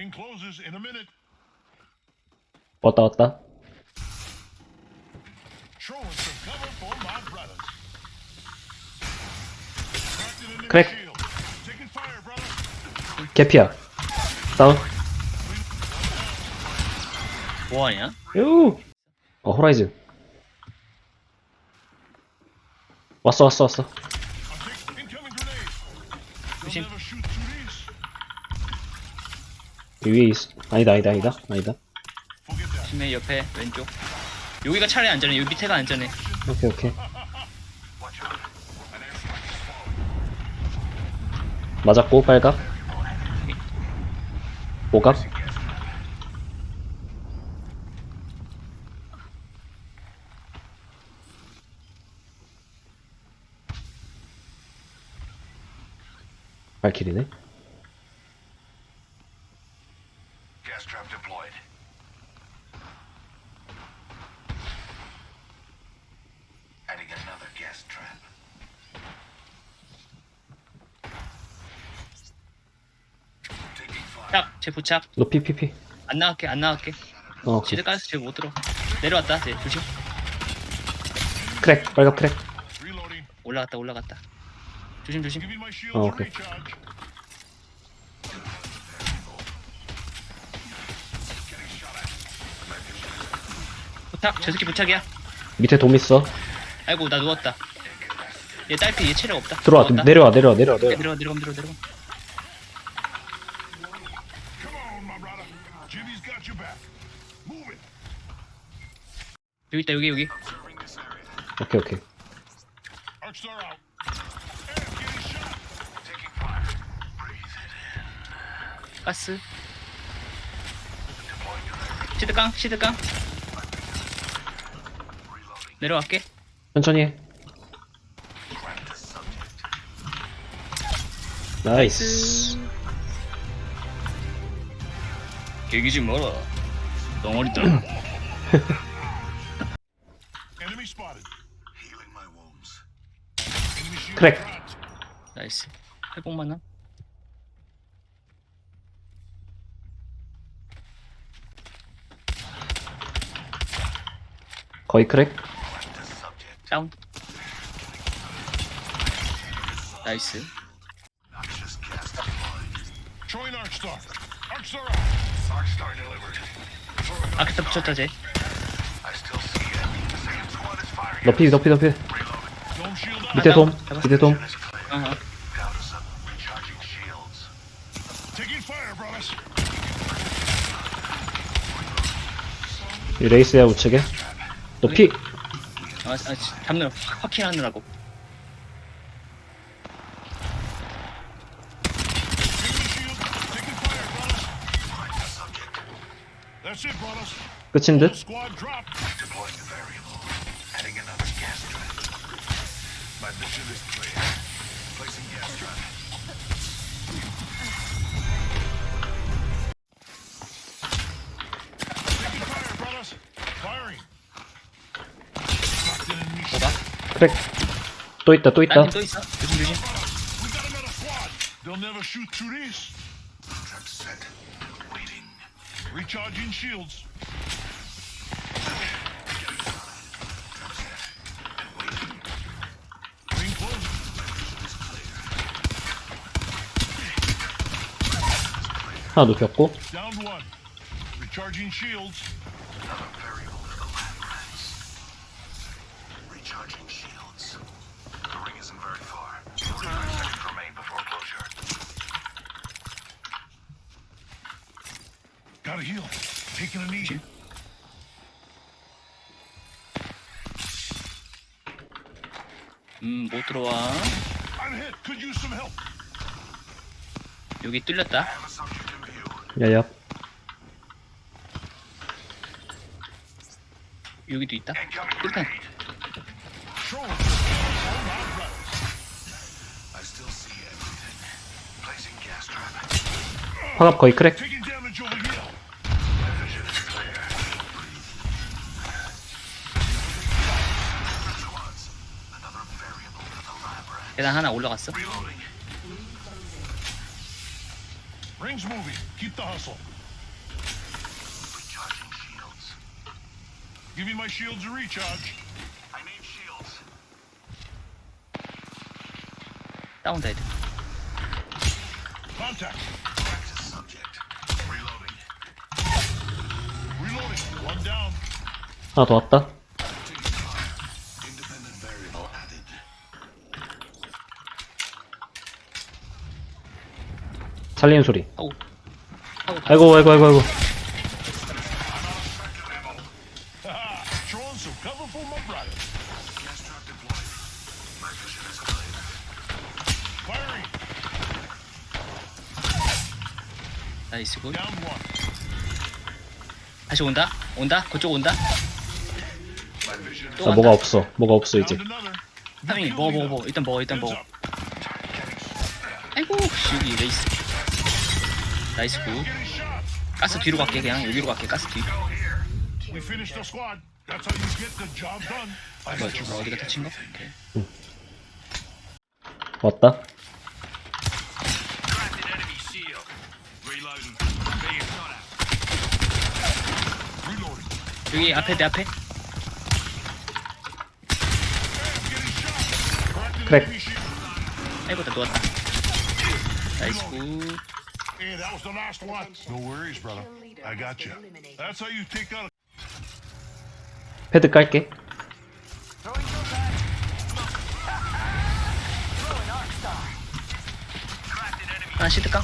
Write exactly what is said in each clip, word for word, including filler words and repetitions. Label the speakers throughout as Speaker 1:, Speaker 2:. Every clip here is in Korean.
Speaker 1: Ring closes in a minute.
Speaker 2: 왔다 왔다.
Speaker 1: Throwing some cover for my brothers. Trapped in a
Speaker 2: Crack.
Speaker 1: shield. Taking fire, brother.
Speaker 2: 개피야. 다운.
Speaker 3: 뭐하냐?
Speaker 2: 유. 어 호라이즌. 왔어 왔어 왔어.
Speaker 1: I take incoming grenade. They'll
Speaker 3: 조심.
Speaker 1: never shoot through these.
Speaker 2: 위에 있어. 아니다 아니다 아니다 아니다.
Speaker 1: Forget that.
Speaker 3: 심해 옆에 왼쪽. 여기가 차라리 안전해. 여기 밑에가 안전해.
Speaker 2: 오케이 오케이. 맞았고 빨각. 오각. 발키리네.
Speaker 1: Gas trap deployed. Adding another gas trap. Taking fire.
Speaker 3: 딱, 제 부착.
Speaker 2: 너 피피피.
Speaker 3: 안 나갈게, 안 나갈게.
Speaker 2: 어 오케이.
Speaker 3: 시드 가스 쟤못 들어. 내려왔다, 쟤 조심.
Speaker 2: 크랙 빨각 크랙.
Speaker 1: Reloading.
Speaker 3: 올라갔다, 올라갔다. 조심, 조심.
Speaker 1: Giving my shields
Speaker 2: Oh,
Speaker 1: a
Speaker 2: okay.
Speaker 1: recharge.
Speaker 3: 부착, 저 새끼 부착이야.
Speaker 2: 밑에 돔 있어.
Speaker 3: 아이고, 나 누웠다. 얘 딸피, 얘 체력 없다.
Speaker 2: 들어와
Speaker 3: 누웠다.
Speaker 2: 내려와 내려와 내려와 내려와.
Speaker 3: 내려가, 내려가, 내려가, 내려가.
Speaker 1: Come on, my brother. Jimmy's got your back. Move it.
Speaker 3: 여기 있다, 여기, 여기.
Speaker 1: Observing this area.
Speaker 2: 오케이 오케이.
Speaker 1: Arcstar out. And getting shot. Taking fire. Breathe it in.
Speaker 3: 가스.
Speaker 1: Deploying grenade.
Speaker 3: 시드 깡, 시드 깡.
Speaker 1: Reloading.
Speaker 3: 내려갈게.
Speaker 2: 천천히 해.
Speaker 1: Track the subject.
Speaker 2: 나이스.
Speaker 3: 개기지 마라. 덩어리다.
Speaker 1: Enemy spotted. Healing my wounds. Enemy shield
Speaker 2: Crack.
Speaker 1: dropped.
Speaker 3: 나이스. 회복만 함.
Speaker 2: 거의 크랙.
Speaker 1: The subject.
Speaker 3: 다운. 나이스.
Speaker 1: Noxious gas deployed. Throwing Arcstar. Arcstar out. Arcstar delivered. Throwing
Speaker 3: 아크타 붙였다, 쟤.
Speaker 1: I still see it. The second squad is firing.
Speaker 2: 너피 너피 너피.
Speaker 1: Reloading. Dome shield up.
Speaker 2: 밑에 돔. 밑에 돔.
Speaker 1: Is clear.
Speaker 3: 어허.
Speaker 1: Down to some recharging shields. Taking fire, brothers.
Speaker 2: 이 레이스야 우측에. 너피.
Speaker 3: 아, 아, 잡느라, 확킬 하느라고.
Speaker 1: Enemy shield. Taking fire, brothers. Find the subject. That's it, brothers.
Speaker 2: 끝인 듯.
Speaker 1: Squad dropped. Deploying the variable. Adding another gas trap. My mission is clear. Placing gas trap. Taking fire, brothers. Firing. Locked in enemy shield.
Speaker 3: 뭐가?
Speaker 2: 크랙. 또 있다 또 있다.
Speaker 3: 딴팀 또 있어. 조심, 조심.
Speaker 1: We got another squad. They'll never shoot through these. Trap set. Waiting. Recharging shields. Ring closed.
Speaker 2: 하나 눕혔고.
Speaker 1: Downed one. Recharging shields. Another variable for the lab rats. Recharging shields. The ring isn't very far. forty-five seconds remain before closure. Gotta heal. Taking a knee.
Speaker 3: 음, 못 들어와.
Speaker 1: I'm hit. Could use some help.
Speaker 3: 여기 뚫렸다.
Speaker 1: Have a subject in view.
Speaker 2: 야야.
Speaker 3: 여기도 있다.
Speaker 1: Incoming
Speaker 3: 일단
Speaker 1: grenade. Throw it. All my brothers. I still see everything. Placing gas trap.
Speaker 2: 화갑 거의 크랙.
Speaker 1: Taking damage over here. My vision is clear. Squads. Another variable for the lab rat.
Speaker 3: 계단 하나 올라갔어.
Speaker 1: Reloading. Rings moving. Keep the hustle. Give me my shields to recharge. I need shields.
Speaker 3: 다운다 애들.
Speaker 1: Contact. Practice subject. Reloading. Reloading. One down.
Speaker 2: 하나 더 왔다.
Speaker 1: Independent variable added.
Speaker 2: 살리는 소리.
Speaker 3: 아우. 아우.
Speaker 2: 아이고 아이고 아이고 아이고.
Speaker 1: Haha. Throwing some cover for my brother. Gas trap deployed. My vision is clear. Firing.
Speaker 3: 나이스 굿.
Speaker 1: Down one.
Speaker 3: 다시 온다. 온다. 그쪽 온다.
Speaker 1: My vision.
Speaker 3: 또
Speaker 2: 나
Speaker 3: 간다.
Speaker 2: 뭐가 없어. 뭐가 없어 이제.
Speaker 1: Down another.
Speaker 3: 타밍 먹어 먹어 먹어. 일단 먹어 일단
Speaker 1: Heads
Speaker 3: 먹어.
Speaker 1: up.
Speaker 3: 아이고 여기 레이스. 나이스 굿.
Speaker 1: Getting shot.
Speaker 3: 가스 뒤로 갈게 그냥 여기로 갈게 가스 뒤.
Speaker 1: Go here. We finished the squad. That's how you get the job done. I
Speaker 3: 뭐야
Speaker 1: just
Speaker 3: 저 어디가 다친 거? 오케이.
Speaker 2: 왔다.
Speaker 1: cracked an enemy shield. Reloading. Being shot at. Reloading.
Speaker 3: 여기 앞에 내 앞에.
Speaker 1: Getting shot. Cracked an
Speaker 2: Crack.
Speaker 1: enemy shield.
Speaker 3: 아이고 나 누웠다. 나이스 굿.
Speaker 1: Hey, that was the last one. No worries, brother. I got you. That's how you take out a
Speaker 2: 패드 깔게.
Speaker 3: 하나 시드깡.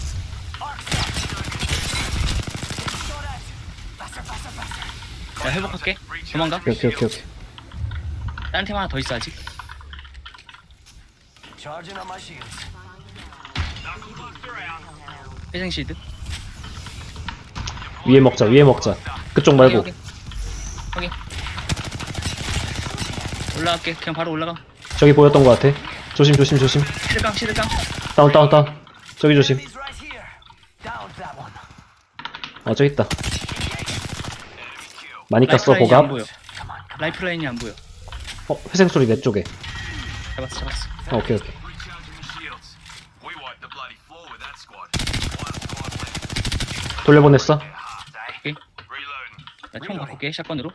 Speaker 3: 나 회복할게. 도망가.
Speaker 2: 오케이 오케이 오케이 오케이.
Speaker 3: 다른 팀 하나 더 있어 아직.
Speaker 4: Charging on my shields.
Speaker 3: 회생 시드.
Speaker 2: 위에 먹자 위에 먹자. 그쪽 말고.
Speaker 3: 여기, 여기. 여기. 올라갈게. 그냥 바로 올라가.
Speaker 2: 저기 보였던 것 같아. 조심 조심 조심.
Speaker 3: 시드깡 시드깡.
Speaker 2: 다운 다운 다운. 저기 조심.
Speaker 4: Enemies right here. Down that one.
Speaker 2: 어 저기 있다. 많이 깠어
Speaker 3: 라이프라인이
Speaker 2: 보갑.
Speaker 3: 안 보여. 라이프라인이 안 보여.
Speaker 2: 어 회생 소리 내 쪽에.
Speaker 3: 잡았어 잡았어.
Speaker 2: 어, 오케이 오케이.
Speaker 1: recharging the shields. We wiped the bloody floor with that squad. One squad left.
Speaker 2: 돌려보냈어.
Speaker 3: 오케이.
Speaker 1: Reloading.
Speaker 3: 나총 바꿀게 샷건으로.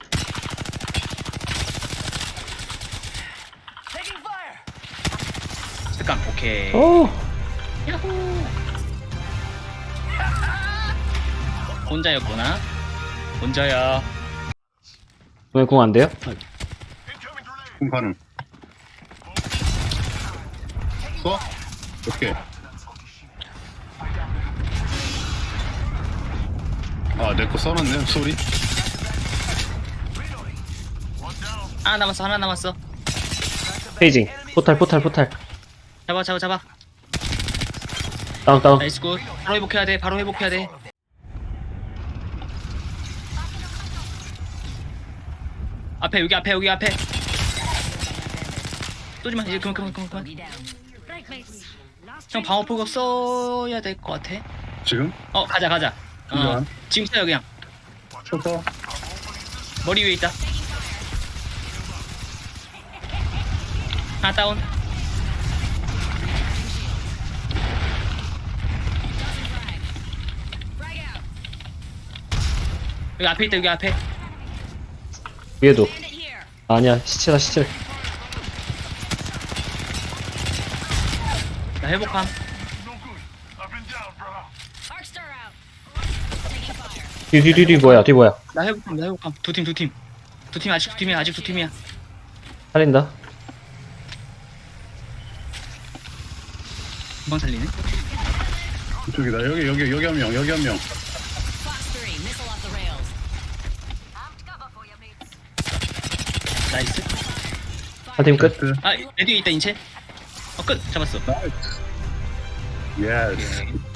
Speaker 4: Taking fire.
Speaker 3: 시드깡. 오케이.
Speaker 2: 오.
Speaker 3: 야호. 혼자였구나. 혼자야.
Speaker 2: 왜 공 안 돼요?
Speaker 1: Incoming grenade.
Speaker 5: 공 가능. 써? 오케이. 아, 내 거 써놨네, 소리.
Speaker 3: 하나 남았어 하나 남았어.
Speaker 2: 페이징. 포탈 포탈 포탈.
Speaker 3: 잡아 잡아 잡아.
Speaker 2: 다운 다운.
Speaker 3: 나이스 굿. 바로 회복해야 돼. 바로 회복해야 돼. 앞에 여기 앞에 여기 앞에. 쏘지마 이제 그만 그만 그만 그만. 형 방어 포격 써야 될 것 같아.
Speaker 5: 지금?
Speaker 3: 어 가자 가자. 어
Speaker 5: 그만.
Speaker 3: 지금 써요 그냥.
Speaker 5: 쳤어.
Speaker 3: 머리 위에 있다. 하나 다운. 여기 앞에 있다 여기 앞에.
Speaker 2: 위에도. 아니야 시체다 시체.
Speaker 3: 나 회복함.
Speaker 1: No good. I've been down, brother.
Speaker 6: Arcstar out. Taking fire.
Speaker 2: 뒤 뒤 뒤 뒤 뭐야 뒤 뭐야.
Speaker 3: 나 회복함 나 회복함. 두 팀 두 팀. 두 팀 아직 두 팀이야 아직 두 팀이야.
Speaker 2: 살린다.
Speaker 3: 금방 살리네.
Speaker 5: 이쪽이다. 여기, 여기, 여기 한 명, 여기 한 명.
Speaker 6: Fox three, missile off the rails. Armed cover for you, mates.
Speaker 3: 나이스.
Speaker 2: 한 팀 끝.
Speaker 5: 끝.
Speaker 3: 아 내 뒤에 있다 인체. 어 끝 잡았어.
Speaker 5: 나이스. 예스.